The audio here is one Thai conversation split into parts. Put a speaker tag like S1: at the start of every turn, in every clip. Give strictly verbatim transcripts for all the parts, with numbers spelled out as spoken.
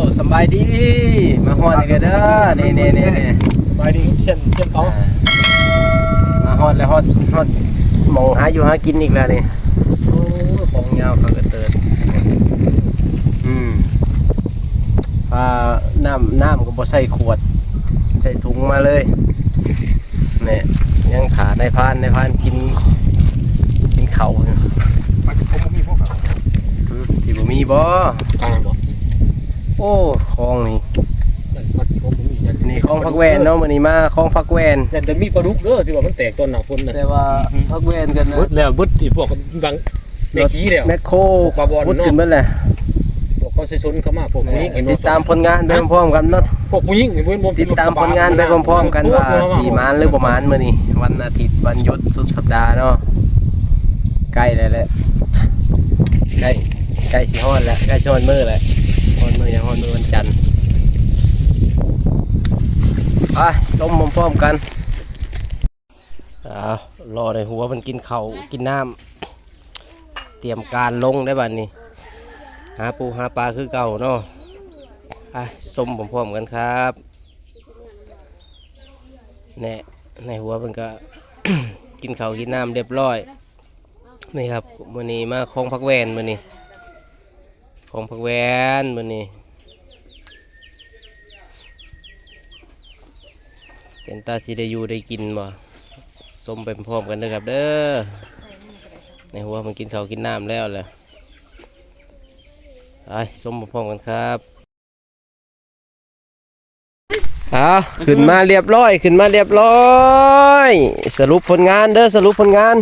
S1: สบายดีมาฮอดอีกแล้วเด้อนี่นี่นี่นี่
S2: สบายดีเช่นเช่นเขา
S1: มาฮอดแล้วฮอดฮอดหมองหาอยู่หากินอีกแล้วนี่โอ้ของยาวเขาก็เติร์ดอืมพาน้ำน้ำก็บ่ใส่ขวดใส่ถุงมาเลยเนี่ยยังขาในพานในพานกินกินเข่าอยู่
S2: มันผมมีพวกเขา
S1: อืมสิบ่มีบ่
S2: กลางบอก
S1: โอ้คลองนี่
S2: มันที่เขาผมมีอย่าง
S1: นี่คลองพักแวนเนาะมื้อนี้มาคลองพักแวน
S2: แต่แต่มีปลาดุกเด้อที่ว่ามันแตกตอนหนาฝนนะ
S1: แต่ว่าพักแวนกันนะ
S2: บึดแล้วบึดที่พวกบางแม่ขี้แล้ว
S1: แมคโคร
S2: ปลาบอล
S1: พุด
S2: เนาะ
S1: ขึ้นเบิดแหละ
S2: พวกเขาใช้ชนเข้ามาพวกผู้หญิงเห็น
S1: ติดตามผลงานไปพร้อมๆกันเนาะ
S2: พวกผู้หญิงเห็นบ่
S1: ติดตามผลงานไปพร้อมๆกันว่าสี่มานหรือประมาณมื้อนี้วันอาทิตย์วันหยุดสุดสัปดาห์เนาะใกล้แล้วแหละใกล้ใกล้สิฮอดแล้วใกล้สิฮอดมื้อแล้วฮอดมื้อยังฮอดมื้อวันจันทร์ไปส้มพร้อมๆกันอ้าวรอในหัวมันกินข้าวกินน้ำเตรียมการลงได้บัดนี้หาปูหาปลาคือเก่าเนาะไปส้มพร้อมๆกันครับเนี่ยในหัวมันก็ กินข้าวกินน้ำเรียบร้อยนี่ครับมื้อนี้มาคลองพักแวนมื้อนี้คลองพักแวนมื้อนี้เป็นตาสิได้อยู่ได้กินบ่ส้มไปพร้อมกันเด้อครับเด้อในหัวมันกินข้าวกินน้ำแล้วแหละไปส้มพร้อมกันครับเอาขึ้นมาเรียบร้อยขึ้นมาเรียบร้อยสรุปผลงานเด้อสรุปผลงาน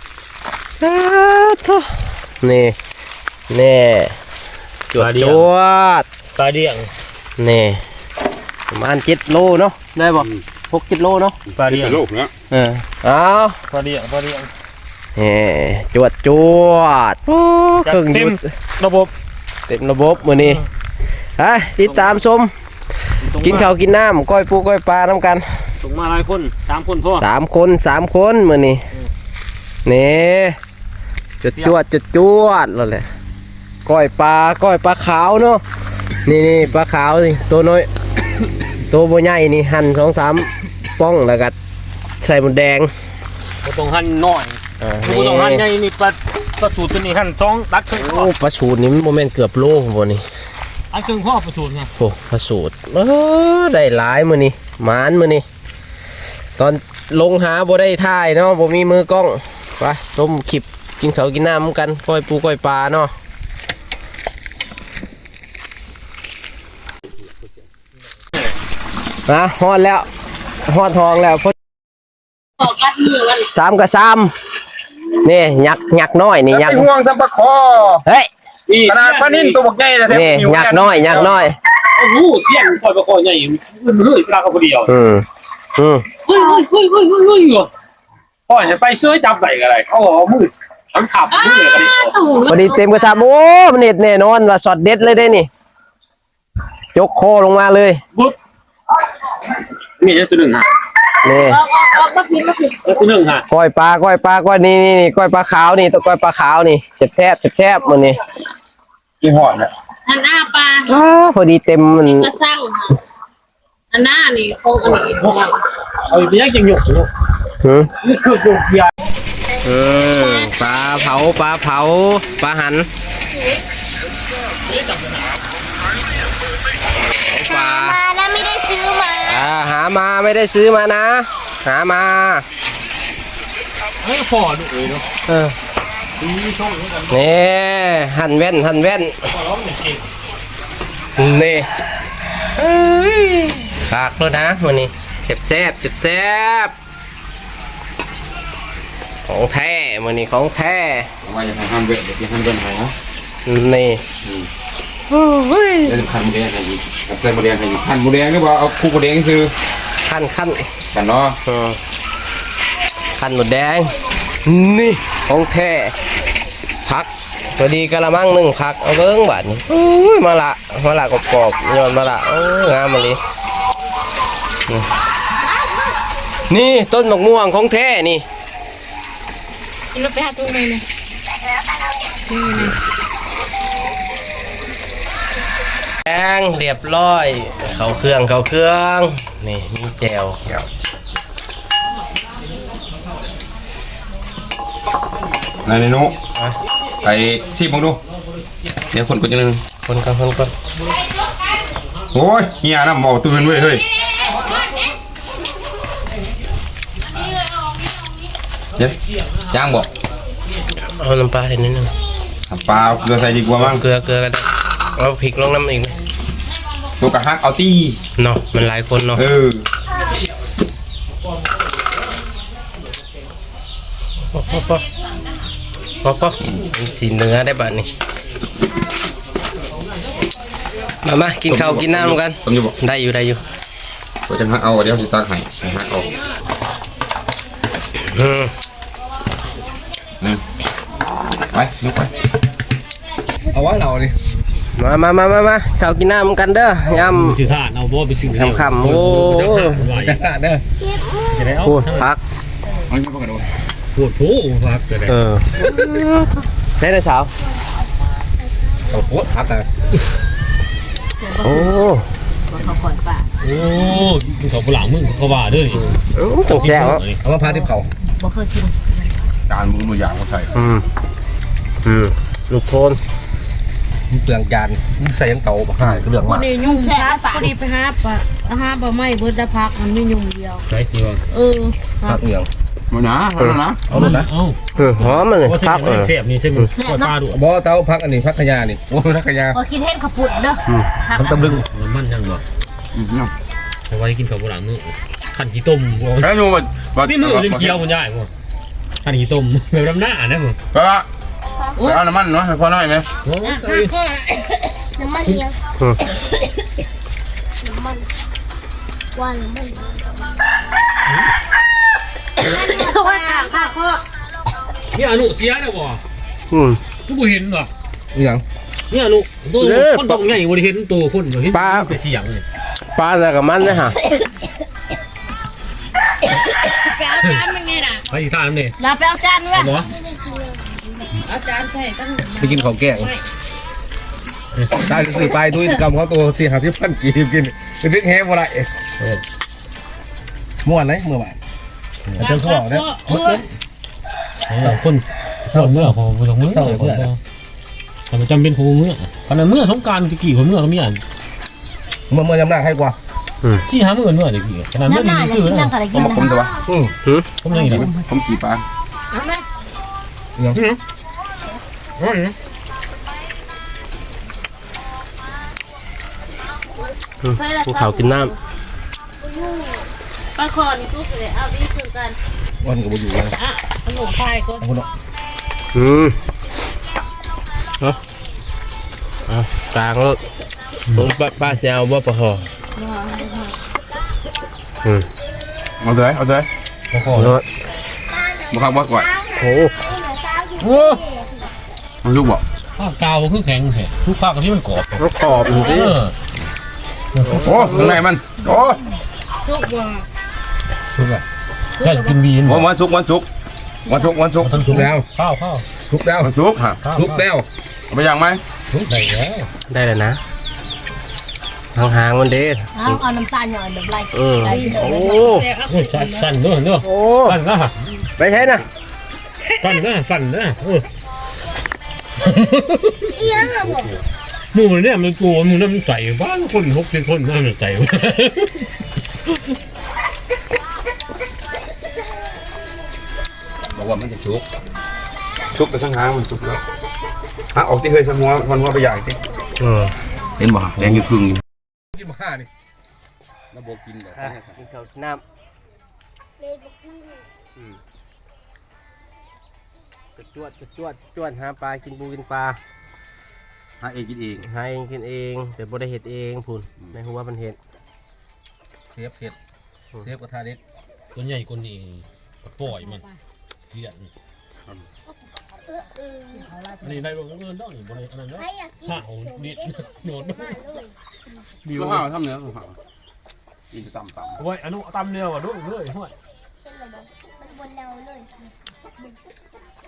S1: นี่นี่จวดจวด
S2: ปลาเดี่ยง
S1: นี่ประมาณเจ็ดโลเนาะได้บ่หกเจ็ดโลเนาะ
S2: ปลาเดี่ยง
S3: โลกนะ
S1: เออเอา
S2: ปลาเดี่ยงปลาเดี่ยง
S1: นี่จวดจวดโอ้เครื่อง
S2: เต็
S1: ยุ
S2: ม
S1: ด
S2: ระบบ
S1: เต็มระบบมื้อนี้ไปติดตามชมกินข้าวกินน้ำก้อยปูก้อยปลาน้ำกัน
S2: ส่งมาหลายคนสามคนพ่อ
S1: สามคนสามคนมื้อนี้นี่จวดจวดจวดจวดแล้วแหละก้อยปลาก้อยปลาขาวเนาะนี่นี่ปลาขาวนี่ตัวน้อย ตัวบ่ใหญ่นี่หั่นสองสามป้องแล้วก็ใส่หมดแดง
S2: บ่ต้องหั่นน้อย
S1: อ่า
S2: บ่ต้องหั่นใหญ่นี่ปลาปลาสูตรตัวนี้หั่นสองตัดครึ่งพ่อ
S1: โอ้ปลาสูตรนี่มันโมเมนต์เกือบโลบ่นี่
S2: อันครึ่งพ่อปลาสูตรไง
S1: โอ้ปลาสูตรเออได้หลายมื้อนี้หมานมื้อนี้ตอนลงหาบ่ได้ถ่ายเนาะบ่มีมือกล้องไปต้มคลิปกินข้าวกินน้ำกันก้อยปูก้อยปลาเนาะนะฮอดแล้วฮอดทองแล้วพอสามกับสามนี่ยักษ์ยักษ์น้อยนี่ยักษ์
S3: ห่วงสัมปะคอ
S1: เฮ้ย
S3: ขนาดปลานิ่นตัวบักใหญ่นะ
S1: นี่ยักษ์น้อยยักษ์น้อย
S2: โอ้โหเสียงปล่อยปลาคอใหญ่มันเฮ้ยปลาเขาคนเดียว
S1: อืมอืม
S2: เฮ้ยเฮ้ยเฮ้ยเฮ้ยเฮ้ยเฮ้ยปล่อยให้ไปเสื้อจับไหนกันอะไรเขาบอกมืดทั้งขับมืดเลยกันดิ
S1: พอดีเต็มกระชับโอ้มันเน็ตแน่นอนว่าช็อตเด็ดเลยได้นี่ยกคอลงมาเลย
S2: บุ๊บมีแค่ตัวหนึ่งฮะ
S1: นี่
S2: ตัวหนึ่งฮะ
S1: ก้อยปลาก้อยปลาก้อยนี่นี่นี่ก้อยปลาขาวนี่ตัวก้อยปลาขาวนี่เจ็บแทบเจ็บแทบมันนี่
S3: กี่หอดเนี่ย
S4: อันหน้าปลา
S1: อ้าพอดีเต็มมัน
S4: ก็สร้างค่ะอันหน้านี่โคงอันนี้
S2: เอาไปยักยังหยกอยู่
S1: หืม
S2: นี่คือหยกใหญ่
S1: อืมปลาเผาปลาเผาปลาหันปลา
S4: มาแล้วไม่ได้ซื้อมา
S1: อ่าหามาไม่ได้ซื้อมานะ หามา
S2: เฮ้ยพอดูเลยเนาะ
S1: เออ
S2: นี่ช่องนี้กัน
S1: นี่หั่นแว่นหั่นแว่น
S2: พอร้องหนึ่งเอง
S1: นี่เอ้ยฝากด้วยนะวันนี้เจ็บแซบเจ็บแซบของแท้วันนี้ของแท้
S3: ว่าจะทำห้ามเวทเดี๋ยวจะห้ามเดินหายนะ
S1: นี่
S3: จะทำโมเดลให้อีกใส่โมเดลให้อีกขั้นโมเดลหรือว่าเอาคู่โมเดลซื้อ
S1: ขั้นขั้น
S3: กันเนาะ
S1: อืมขั้นหมดแดงนี่ของแท้พักพอดีกะละมังหนึ่งพักเอาเบิ้งบาทนี่อุ้ยมาละมาละกรอบๆย้อนมาละโอ้งามมาเลยนี่นี่ต้นมะม่วงของแท้นี่
S4: เราไปหาตรงไหนเนี่ย
S1: แดงเรียบร้อยเข้าเครื่องเข้าเครื่องนี่มีแจว
S3: นายนุไปซีบมึงดูเดี๋ยวคนกูจะนึง
S1: คนกันคนกัน
S3: โอ้ยเฮียน้ำเอาตื่นเว้ยเฮ้ยเดี๋ยวย่างบอก
S1: เอาน้ำปลาให้นิดนึง
S3: ปลาเกลือใส่ดีกว่ามั้ง
S1: เกลือเกลือกันเอาพริกลงน้ำอีกไหม
S3: ตัวกระฮักเอาตี้
S1: เนาะมันหลายคนเนาะ
S3: เออ
S1: พอพอพอพอพอมันสีเนื้อได้บ้านี่มามากินข้าวกินน้ำกัน
S3: ผมจะบอก
S1: ได้อยู่ได้อยู่
S3: ตัวจะฮักเอาเดี๋ยวสิตาไข่ฮักเอา
S1: อืม
S3: นี่ไปลุกไป
S2: เอาว่าเราดิ
S1: มามามามามาข้าวกินน้ำกันเด้อยำ
S2: สิทานเอาบ่ไปสิ
S1: คำคำโอ้
S2: จะทานเด้อจะได้เอา
S1: โหพัก
S3: เอาไม่พอกันดู
S2: ปวดโผพักจะได้
S1: เออได้เลยสาว
S2: โอ้โหพักอ่ะ
S1: โอ้
S4: เขาก่อนป่ะ
S2: โอ้กินข้าวปลามึงเขาว่าเด้อ
S1: ต้องแจ้ว
S2: เอามาพาทิพเขา
S4: บ่เคยกิน
S3: จานมือมือย่างเขาใส่
S1: อืมอืมลูกโทน
S2: เปลืองจานใส่ยังเตาห่างเรื่อง
S5: พอ
S2: มาก
S5: ดียุ่งครับพอดีไปหาปะหาปะไม่เบิดได้พักมันไม่ยุ่งเดียว
S2: ใช่ที่ว่า
S5: เออ
S2: พักเหนียว
S3: มาหนาเอาแล้วนะ
S2: เอาเลยนะเอา
S1: เออหอมมันเลย
S2: ว่า
S1: พักเออ
S2: เสียบนี่ใช่ไหมก็ปลาดุบ่เตาพักอันนี้พักขยานี่โอ้พักขยา
S5: พอคิดเห็นขับปุ่นเด้อ
S2: ทำตำลึงมันมันยังบ่
S3: อืมเนี่ย
S2: เอาไว้กินข้าวปลามื้อขันขี้ต้ม
S3: แค่นูมัน
S2: นี่มือเล่นเกี๊ยวมันใหญ่บ่ขันขี้ต้มแบบน้ำหน้านะมึง
S3: ไปละไปเอาน้ำมันเนาะให้พ่อหน่อยไหม
S2: โอ้
S5: น้ำมันเดียวน้ำมันวันมันว่าต่างค่ะพ่อ
S2: นี่อนุเสียแล้วบ่
S1: อืม
S2: ทุกผู้เห็นบ่
S3: ยัง
S2: นี่อนุตัวคนตรงใหญ่บ่ได้เห็นตัวคนบ่เห็นแต่เสียงนี่
S1: ปลาอะไรกับมันนะฮะ
S5: ไปเอาจานมันไงน่ะ
S2: ไปทานนี่
S5: ลาไปเอาจานเว้ย
S2: บ่
S5: เอาจานใส่ตั้ง
S2: ไปกินของแกงได้สื่อไปด้วยกรรมเขาตัวสี่ห้าสิบพันกีบกินไปดึกแฮบ่ได้ม่วนไหนเมื่อวานเจ้าพ่อเนี่ยคนส่วนเมื่อของผู้ชมเมื่อแต่มันจำเป็นของเมื่อขณะเมื่อสงการตะกี้ของเมื่อเขามีอ่านเมื่อเมื่อยำหน้าให้กว่าที่หาเมื่อเมื่อตะกี้ขณะเมื่อ
S5: น้ำหน้า
S2: มี
S5: จะ
S2: ซื้อ
S5: กิน
S2: นะ
S5: น้ำอะไรกิน
S3: มา
S5: นะ
S3: คมตัว
S2: อืมผมยังอีก
S3: ผมกี่ปลา
S5: เอาไหม
S2: ยังอืม
S1: กินข้าวกินน้
S5: ปลาคอนี่ทุกเลยเอาดีคือกัน
S2: วันก็บ่อยู่แล้ว
S5: อ่ะขนมพายก็
S2: เอาคนเนาะ
S1: ำอืมเนาะเอากลางแล้วป้าป้าเสียวบ่ปะหออืม
S3: เอาเลยเอาเลย
S2: พอพอ
S1: เนาะ
S3: บุคคลบ่ก่อน
S1: โอ้
S2: โอ้
S3: มันลูกบ่
S2: ข้าวกาวคือแข็งแท้ทุกภาคที่มันกรอบ
S1: มันกรอบจ
S2: เอ
S1: ริง
S2: อ
S3: โอ้ข้างในมันโอ้
S5: ทุกว่า
S2: ทุกอ่ะได้กินบีน
S3: วันศุกร์วันศุกร์วันศุกร์วันศุกร์
S2: ทุกแล้วข้าวข้าวทุกแล้ว
S3: วันศุกร์ฮะ
S2: ทุกแล้ว
S3: เอาไปย่างไหม
S2: ทุกได้แล้ว
S1: ได้เลยนะหางๆมันเด็ด
S5: เอาเอาน้ำตาลหน่อยแบบไร
S1: เออโอ้
S2: โอ้ยสั่นเนอะเนอะ
S1: โอ้
S2: สั่นนะ
S1: ไปใช่นะ
S2: สั่นนะสั่นนะเออหมูเนี่ยมันกลัวมันน้ำใจบ้านคนหกเป็นคนน้ำใจ
S3: บอกว่ามันจะชุกชุกแต่ทั้งหางมันชุกแล้วฮะออกที่เคยทำหัวมันหัวไปใหญ่ที่
S1: เออ
S3: เห็นบ่แดงอยู่ครึ่งอยู่
S2: กินมาห้านี่
S3: ระบบกินแบบ
S1: อ่ะกินข้าวกินน้ำจะจวดจะจวดจวดหาปลากินปูกินปลา
S3: หาเองกินเอง
S1: หาเองกินเองแต่บ่ได้เห็ดเองพุ่นในหัวมันเห็ด
S2: เซฟเซฟเซฟกระทะเด็กตัวใหญ่คนนี้ปล่อยมันเลี้ยงอันนี้ได้ลงเงินได้บริอันนั้นเนาะห่าวนิดโดด
S3: บิวข้าวทำเนื้อข้าวกินจะต่ำต่ำ
S2: ไว้อนุตำเนียวอ่ะด้วยด้วยห้วย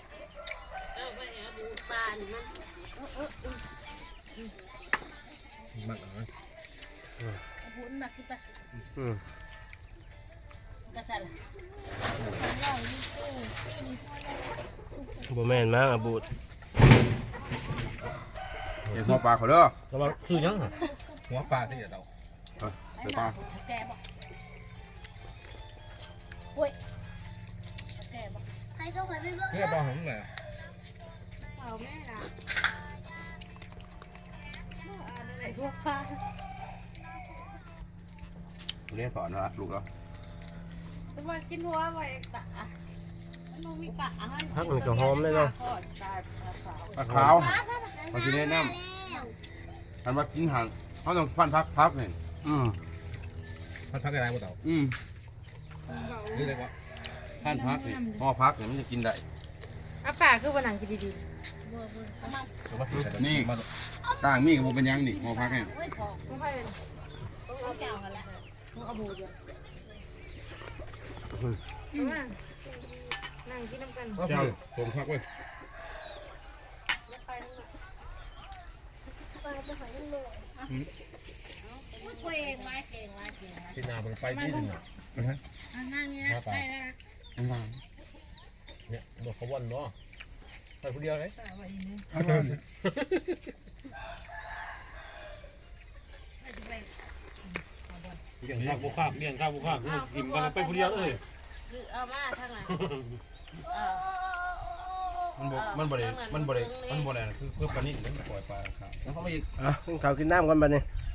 S5: ปลานี่มัน
S2: มักเอานะ
S5: บุญมากินปลาสุก
S1: อืม
S5: กระสัน
S1: บ่แม่นมั้งอะบูด
S3: เดี๋ยวหัวปลาเขาเด้อ
S2: แล้วว่าซื้อยังอ่ะ
S6: หัวปลาที่เดี๋ยวเรา
S3: เดี๋ยวปลา
S5: แกบอกโอ้ยแกบอกให้เขาไปเบิ่ง
S6: เพื่อปลาหงเลย
S5: เอาแม่นะอะไรพวกปลา
S3: เรียนสอนนะลูกแล้ว
S5: จะมากินหัวไว้กะมันมีกะอาหาร
S1: พักมันก็หอมเลยเนาะ
S3: ปลาขาวปลาสีแนะนำอันว่ากินห่างเขาต้องฟันพักพักนี่
S1: อืม
S6: พันพักอะไรพวกเรา
S3: อืม
S6: นี่เลยว่า
S3: ฟันพักนี่ห่อพักนี่มันจะกินได้
S5: อากาศคือวันหนังกินดี
S3: นี่ต่างมีกับโมเป็นยังนี่ห่อพักนี่
S5: ๆไม่พอไม่ค่อยเลยเอาแก้วกันละเอาบูดเลยมานั่งกินน้ำกัน
S3: เจ้าส่งพักไว้
S5: เก่งมาเก่งมาเก่งมา
S2: ที่นาเป็นไปที่หนึ่งอ่ะ
S5: นั่งนี่นะได้แล้ว
S2: เนี่ยบอกเขาวันเนาะไปคนเดียวเลยเลี้ยงข้าวบุคคาเลี้ยงข้าวบุคคากินกันไปคนเดียวเลย
S5: คือเอามาทั้งนั้น
S3: มันบ่มันบ่ได้มันบ่ได้มันบ่ได้คือคือปลานิ่มมันปล่อยปลาขาวแล้วเขาไม่
S1: อ่ะกินข้าวกินน้ำกันบัดนี้
S3: เ